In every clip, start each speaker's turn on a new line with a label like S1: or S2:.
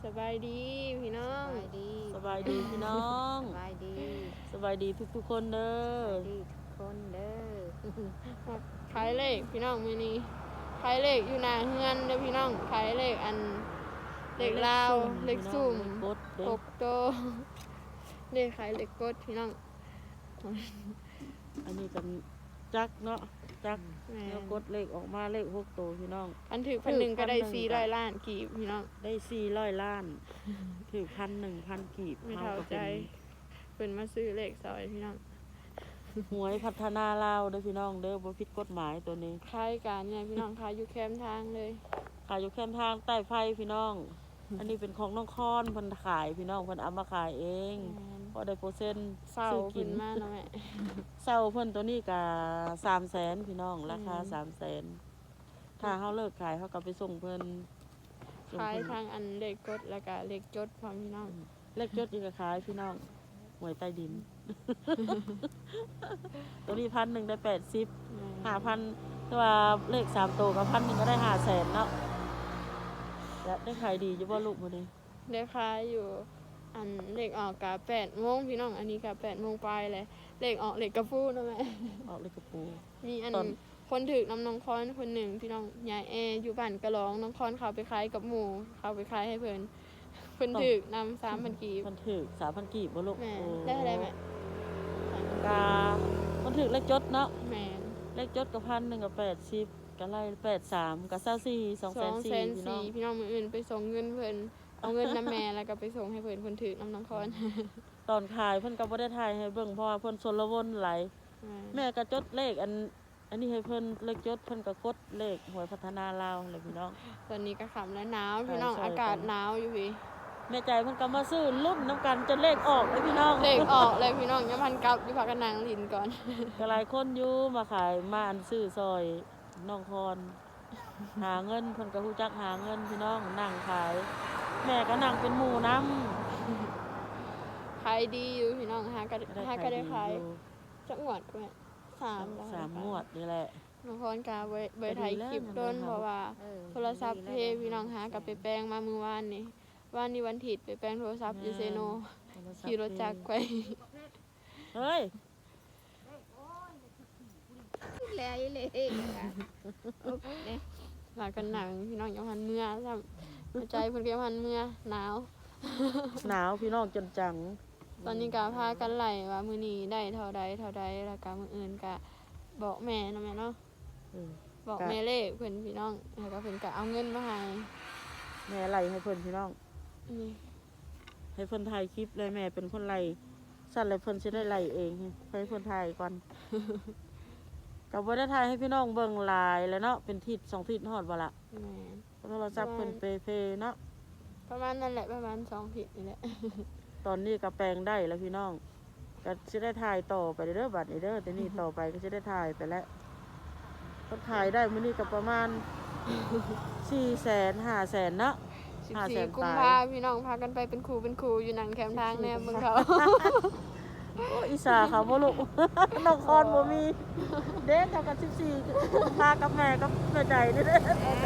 S1: บายดีพี่น้อง
S2: สบายดีพี่น้อง
S3: สบายดี
S2: สบายดีทุกคนเด้อ
S3: ดีทุกคนเด้อ
S1: ขายเลขพี่น้องมื้อนี้ขายเลขอยู่หน้าเฮือนเด้อพี่น้องขายเลขอันเลขลาวเลขซุ่ม
S2: กดเด้อ
S1: 6โตวเลขขายเลขกดพี่น้อง
S2: อันนี้กันจักเนาะจัก
S1: แม่
S2: แล้วกดเลขออกมาเลข6ตัวพี่น้อง
S1: อันถือพันหนึ่งก็ได้400ล้านกีบพี่น้อง
S2: ได้400 ล้านถือ1,000กีบ
S1: ไม่เท่าใจเพิ่นมาซื้อเลขซอยพี่น้อง
S2: หวยพัฒนาลาวเด้อพี่น้องเด้อบ่ผิดกฎหมายตัวนี้
S1: ขายการเนี่ยพี่น้องขายอยู่แคมป์ทางเลย
S2: ขายอยู่แค่ทางใต้ไฟพี่น้อง อันนี้เป็นของน้องคอนเพิ่นขายพี่น้องเพิ่นเอามาขายเองพอได้เปอร์เซ็นต์
S1: เศร้า
S2: ซื้อ
S1: ขึ้นมาเนาะแม่
S2: เศร้าเพิ่นตัวนี้ก็300,000พี่น้องราคา300,000ถ้าเฮาเลิกขายเฮาก็ไปส่งเพิ่นส่ง
S1: ขาย
S2: เพิ่น
S1: ทางอันเลขกดแล้วก็เลขจดพร้อมพี่น้อง
S2: เลขยศอีกก็ขายพี่น้องหวยใต้ดิน ตัวนี้1,000ได้80 5,000แต่ว่าเลข3ตัวกับ1,000ก็ได้500,000เนาะและได้ขายดีอยู่บ่ลูกมื้อนี้
S1: ได้ขายอยู่อันเลขออกกะ8 โมงพี่น้องอันนี้กะ8 โมงปลายเลยเลขออกเลขกระฟู้เนาะแม่
S2: ออกเลขกระปู
S1: มีอัน
S2: ตอน
S1: คนถือน้ำน้องคอนคนหนึ่งพี่น้องยายแออยู่บ้านกระร้องน้องคอนเขาไปขายกับหมู่เขาไปขายให้เพิ่นเพิ่นถือนำ3,000กีบ
S2: มันถึก3,000กีบบ่ลูก
S1: แม่
S2: โอ้
S1: ได้อะไรแม่
S2: กามันถึกเลขยศเนาะ
S1: แม่
S2: เลขยศกับ1,000กับ80ก็ไล่83กับ24 2,400พี่น้อง
S1: 240,000พี่น้องมื้ออื่นไปส่งเงินเพิ่นเอาเงินน้ำแม่แล้วก็ไปส่งให้เพิ่นเพิ่นถือน้ำน้องคอน
S2: ตอนขายเพิ่นก็บ่ได้ถ่ายให้เบิ่งเพราะว่าเพิ่นชนละวนหลายแม่ก็จดเลขอันนี้ให้เพิ่นเลขยศเพิ่นก็กดเลขหวยพัฒนาลาวเลยพี่น้อง
S1: ตอนนี้ก็ค่ำแล้วหนาวพี่น้อง
S2: ใช่
S1: อากาศหนาวอยู่พี่
S2: แม่ใจเพิ่นก็มาซื้อลุ้นน้ำกันจนเลขออกเลยพี่น้อง
S1: เลขออกเลยพี่น้องยังพันกลับอยู่พักกันนางลินก่อน
S2: ก็หลายคนอยู่มาขายมาอันซื้อซอยน้องคอนหาเงินเพิ่นก็ฮู้จักหาเงินพี่น้องนั่งขาย แม่ก็นั่งเป็นหมู่นำ
S1: ขายดีอยู่พี่น้องฮะก็ได้ขาย
S2: อยู่
S1: จักงวดก็แม่3แล้ว
S2: 3งวดนี่แหละ
S1: น้องพรกาเบยไทยคลิปต้นเพราะว่าโทรศัพท์เพพี่น้องหากับไปแปลงมามื้อวานนี้วันอาทิตย์ไปแปลงโทรศัพท์อยู่เซโนขี่รถจักรไป
S2: เฮ้ย
S3: แล้วเลยค่ะโอเค
S1: หลากันหนังพี่น้องยังพันเมื่อซ้ำใจเพิ่นก็ยังพันเมื่อหนาว
S2: หนาวพี่น้องจนจัง
S1: ตอนนี้ก็พากันไล่ว่ามื้อนี้ได้เท่าใดแล้วก็มื้ออื่นก็บอกแม่เนาะแม่เนาะ
S2: เออ
S1: บอกแม่เลขเพิ่นพี่น้องแล้วก็เพิ่นก็เอาเงินมาให้
S2: แม่ไล่ให้เพิ่นพี่น้อง
S1: นี่
S2: ให้เพิ่นถ่ายคลิปเลยแม่เป็นคนไล่สั่นเลยเพิ่นสิได้ไล่เองให้เพิ่นถ่ายก่อน ก็บ่ได้ถ่ายให้พี่น้องเบิ่งหลายแล้วเนาะเป็นทิศ2ทิศฮอดบ่ล่ะ
S1: แม่
S2: โทรศัพท์เพิ่นเพเนาะ
S1: ประมาณนั่นแหละประมาณ2ผิดนี่แหละ
S2: ตอนนี้ก็แปลงได้แล้วพี่น้องก็สิได้ถ่ายต่อไปเด้อบัดนี้เด้อแต่นี่ต่อไปก็สิได้ถ่ายไปแล้วเพิ่นถ่ายได้มื้อนี้ก็ประมาณ 400,000 500,000เนาะ
S1: 14 กุมภาพี่น้องพากันไปเป็นครูอยู่หนังแคมป์ทางแนวเมืองเขา
S2: โอ้อีสาเขาบ่ลูก น้องคอนบ่มีเด็กเท่ากับ14พากับแม่กับแม่ใจนี่เด้อแม่ใจ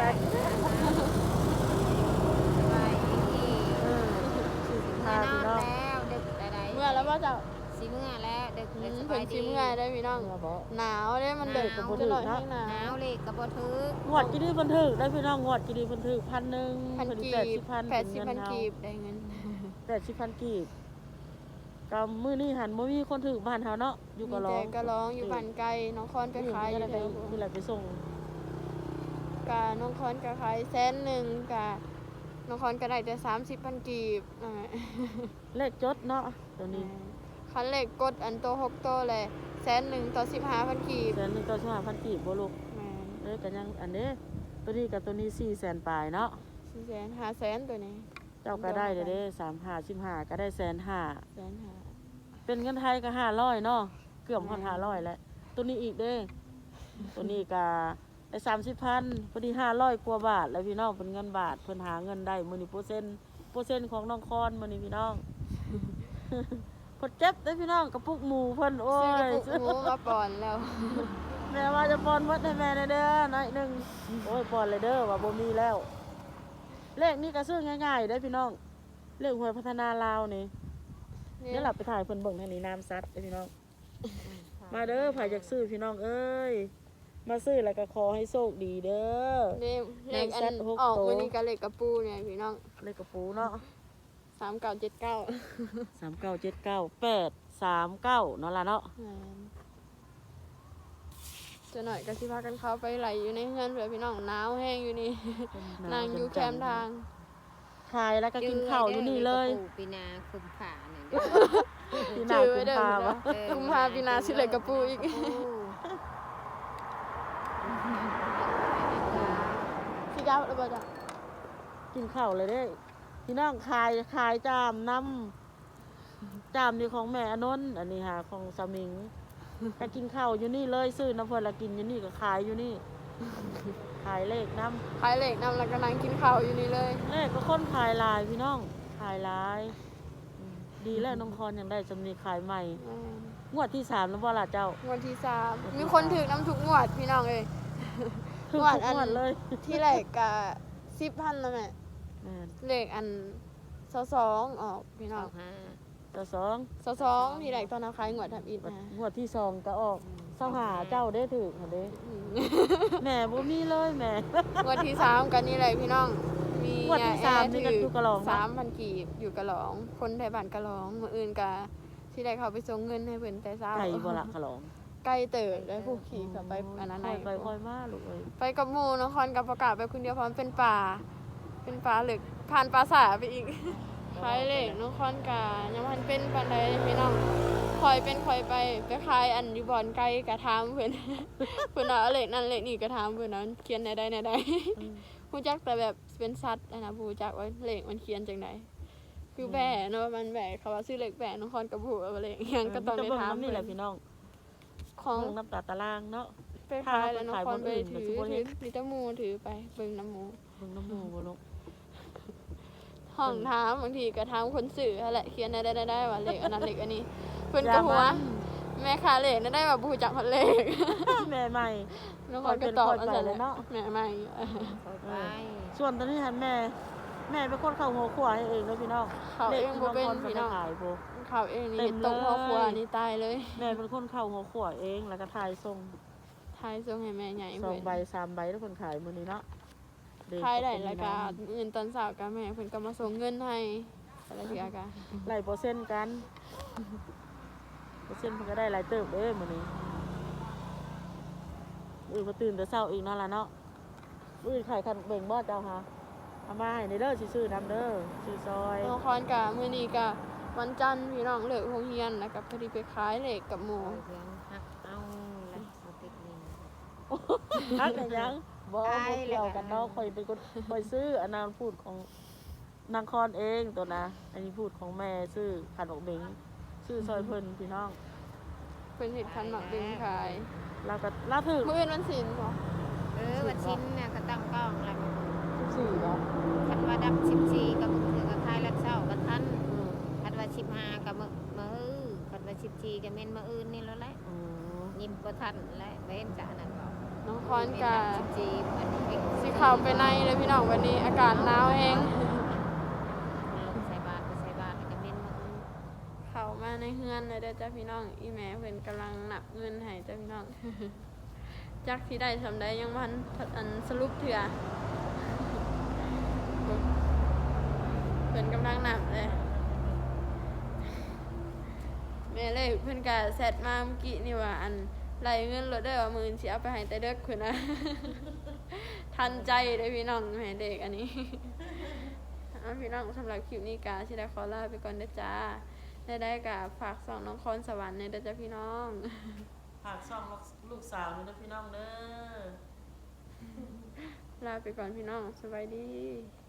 S3: สบายดี
S2: พา
S3: แน่น
S2: พี่
S3: อน
S2: น้อง
S3: แล้วดึกใด
S1: เมื่อแล้วว่าจะ
S3: ๆสิเมื่อแล้วดึกเลยส
S1: เพิ่
S3: บาน ย
S1: สิ
S3: ดี
S1: เมื่อได้พี่น้อง
S2: เมื่อบ่
S1: หนาวเด้มันเด็ก
S2: หนาว
S1: จะหน่อย
S2: เนาะ
S1: ให้หนาว
S3: หนาวเลยกระโบทึก
S2: งวดกี่ดีเพิ่นถึกได้พี่น้องงวดกี่ดีเพิ่นถึก1,000
S1: พัน
S2: เพิ่น
S1: กีบ
S2: 80,000
S1: 80,000กีบได้เงิน
S2: 80,000กีบก็มื้อนี้หันบ่มีคนถึกบ้านเฮาเนาะอยู่ก็ร้อง
S1: มีแต่ก็ร้องอยู่บ้านไกลน้องคอนไปขายอยู่
S2: นี่
S1: แถว
S2: นี่แหละไปส่ง
S1: กะน้องคอนก็ขาย100,000กะน้องคอนก็ได้แต่30,000กีบนั่นแหละ
S2: เลขจดเนาะตัวนี้
S1: คันเลขกดอันโต6โตเลย100,000ต่อ15,000กีบ
S2: แสนหนึงก็5,000กีบบ่ลูก
S1: แม่น
S2: เด้ก็ยังอันนี้ตัวนี้กับตัวนี้400,000ปลายเนาะ
S1: 400,000 500,000ตัวนี้
S2: เจ้าก็ได้เด้3-5 15ก็ได้1,500,000
S1: 150,000
S2: เป็นเงินไทยก็500เนาะเกือบฮอด500แล้วตัวนี้อีกเด้ตัวนี้ก็ได้30,000พอดี500กว่าบาทแล้วพี่น้องเป็นเงินบาทเพิ่นหาเงินได้มื้อนี้เปอร์เซ็นต์ของน้องคอนมื้อนี้พี่น้อง เพิ่นเจ็บเด้อพี่น้องกระปุกหมูเพิ่นโอ้
S1: ซื้อกระ
S2: ย
S1: ปุกหมูมาป่อนแล้ว
S2: แม่ว่าจะป้อนวัดให้แม่หน่อยเด้อหน่อยหนึงโอ้ยป้อนเลยเด้อว่าบ่มีแล้วเลขนี้ก็ซื้อง่ายๆเด้อพี่น้องเรื่องหวยพัฒนาลาวนี่เดี๋ยวหลับไปถ่ายเพิ่นเบิ่งทางนี้น้ำซัดเด้อพี่น้องมาเด้อไผอยากซื้อพี่น้องเอ้ยมาซื้อแล้วก็ขอให้โชคดีเด้อ
S1: เลขอัน
S2: น้ำซัดหก
S1: ออก
S2: โต
S1: วันนี้ก็เลขกระปูเนี่ยพี่น้อง
S2: เลขกระปูเนาะ
S1: 3979
S2: 3979 839เนาะล่ะเนาะ
S1: จะหน่อยก็สิพากันเข้าไปไหลอยู่ในเฮือนเผื่อพี่น้องหนาวแห้งอยู่นี่ นั่งอยู่แคมป์ทาง
S2: ขายแล้วก็กินข้าวอยู่นี่เลย
S3: ปีนาคุมผ่าเนี่ย
S2: พี่นา
S1: ชื่อ
S2: คุ
S1: ไว้
S2: ณ
S1: เด้อ
S2: พา
S1: นะ
S2: วะ
S1: กุมภาปีนาสิเลยกระปูอีกสิกาแล้วบ่จ้ะ
S2: กินข้าวเลยเด้พี่น้องขายจามน้ำจามนี่ของแม่อนนท์อันนี้ค่ะของสมิงก็กินข้าวอยู่นี่เลยซื้อน้ำเพิ่นละกินอยู่นี่ก็ขายอยู่นี่ขายเลขน้
S1: ขายเหล็กนำแล้วก็นั่งกินข้าวอยู่นี่เลย
S2: ำเลขก็คนขายหลายพี่น้องขายหลายดีแล้วน้องคอนยังได้จำนีขายใหม่งวดที่3แล้วบ่ล่ะเจ้าง
S1: วดที่3มีคนถือน้ำทุกงวดพี่น้องเอ้ย
S2: ทุก
S1: งวดอัน
S2: งวดเลย
S1: ที่แรกก็10,000แล้วแม่
S2: แม่น
S1: เลขอัน22ออกพี่น้อง
S2: ต่อสอง
S1: 22ที่แรกตอนนั้นขายงวดทำอิฐนะ
S2: งวดที่2ก็ออกเศร้าหาเจ้าได้ถือค่ะเด้แม่บ่มีเลยแม่
S1: งวดที่3กันนี่เลยพี่น้องมี
S2: งวดที่สามนี่ก็อยู่กะหลองนะ
S1: 3,000กีบอยู่กะหลองคนไทยบ้านกะหลองมื้ออื่นก็ที่ได้เขาไปส่งเงินให้เพิ่นแต่เช้า
S2: ไก่บ่ละขะหลอง
S1: ไกลเติบได้ผู้ขี่เข้าไปอันนั้น
S2: ค่
S1: ได้
S2: อยไปค่อยมาลูกเอ้ย
S1: ไปกับหมู่นครกับประกาศไปคนเดียวเพราะมันเป็นป่าเหลึกผ่านปราสาทไปอีกขายเหล็กนครกายังมันเป็นปานใดพี่น้องคอยเป็นคอยไปขายอันอยู่บ่อนไกลกะถามเพิ่น เพิ่นว่าเอาเหล็กนั่นเหล็กนี่กะถามเพิ่นว่าเขียนได้ฮู้จักแต่แบบเป็นสัตว์นะบ่รู้จักว่าเหล็กมันเขียนจังไดคือแบะเนาะมันแบะเขาว่าซื้อเหล็กแบะนครกับผู้ว่าเหล็กหยังก็ต้องได้ถาม
S2: นี่แหละพี่น้อง
S1: ของ
S2: เบิ่งน้ำตาตารางเนาะ
S1: ไปขายแล้วนครไปถือ
S2: ถ้าเราไปขายบนอื่นก็สิบ่เห็น
S1: มีแตะมูถือไปเบิ่งน้ำหมู
S2: เบิ่งน้ำหมูบ่ลูก
S1: ห้องถามบางทีก็ถามคนสื่อนั่นแหละเขียนได้ว่าเลขอันนั้นเลขอันนี้เพิ่นก็หัวแม่ค้าเลขนั่นได้ว่าบ่รู้จักฮอดเลข
S2: แม่ใหม่
S1: น้องคนก็ตอบ
S2: คอยเป็นคอยไปเลยเนาะ
S1: แม่ใหม่
S3: ไป
S2: ส่วนตอนนี้หันแม่เป็นคนเข้าหัวขวายเองเนาะพี่น้อง
S1: เขาเองบ่เป็น
S2: พี่
S1: พี่
S2: น้
S1: น้
S2: อ
S1: อง ง
S2: ขายบ่
S1: เขาเองนี่
S2: เต็ม
S1: ตกพ่อครัว
S2: เลย
S1: นี่ตายเลย
S2: แม่เป็นคนเข้าหัวขวายเองแล้วก็ถ่ายส่ง
S1: ทายส่งให้แม่ใหญ่
S2: 2
S1: เพิ่น
S2: ใบ3ใบแล้วเพิ่นขายมื้อนี้เนาะเด็ก
S1: ทายได้แล้วก็เงินตอนเช้าก็แม่เพิ่นก็มาส่งเงินให้แต่ละเทื่อก็
S2: ไล่เปอร์เซ็นต์กันเปอร์เซ็นต์เพิ่นก็ได้หลายเติบเด้มื้อนี้มาตื่นแต่เช้าอีกเนาะล่ะเนาะขายคันเบิ่งบ่เจ้าค่ะเอามาให้ในเด้อสิซื้อน้ำเด้อซื้อซอย
S1: น้องคอนก็มื้อนี้ก็วันจันทร์พี่น้องเลิกโรงเรียนแล้วก็พอดีไปขายเลขกับหมู่
S3: เสียงหักเอาละสติกนี่
S2: ฮักได้ยังบ่เกี่ยวกันเนาะข่อยเป็นคนข่อยซื้ออันนั้นพูดของนางคอนเองตัวนะอันนี้พูดของแม่ซื้อขนมเบงซื้อซอยเพิ่นพี่น้อง
S1: เพิ่นเฮ็ดคันหมักดึงขาย
S2: เราถือ
S1: มื้ออื่นวันศีลบ่
S3: วันชิ้นเนี่ยก็ตั้งกล้องแล้ว
S2: 14บ่
S3: คันว่าดับ14กับมือกับคายลัดเช้ากับทันคันว่า15กับมื้อคันว่า14กับแม่นมื้ออื่นนี่แล้วแหละ
S2: อืม
S3: ยิ้มบ่ทันและเว้นจากนั้นบ่
S1: น้องคอนกะ
S3: 14มันเป็น
S1: สิเข้าไปในเลยพี่น้องวันนี้อากาศหนาวแฮง
S3: ใส่บาตรแล้วก็แม่นมื้ออื่น
S1: เข้ามาในเฮือนเลยเด้อจ้าพี่น้องอีแม่เพิ่นกำลังนับเงินให้จ้าพี่น้อง จักสิได้สำได้ยังมันอันสรุปเถื่อเพิ่นกำลังนับเลยแม่เลยเพิ่นก็แซดมาเมื่อกี้นี่ว่าอันไล่เงินรถได้ว่าหมื่นสิเอาไปให้แต่เด็กเพิ่นนะ ทันใจเลยพี่น้องแม่เด็กอันนี้ เอาพี่น้องสำหรับคลิปนี้กาสิได้ขอลาไปก่อนเด้อจ้าได้กะฝากส่องน้องคอนสวรรค์ในเด้อจ้าพี่น้อง
S2: ฝากช่องลูกสาวนี่นะพี่น้องเด้อ
S1: ลาไปก่อนพี่น้องสบายดี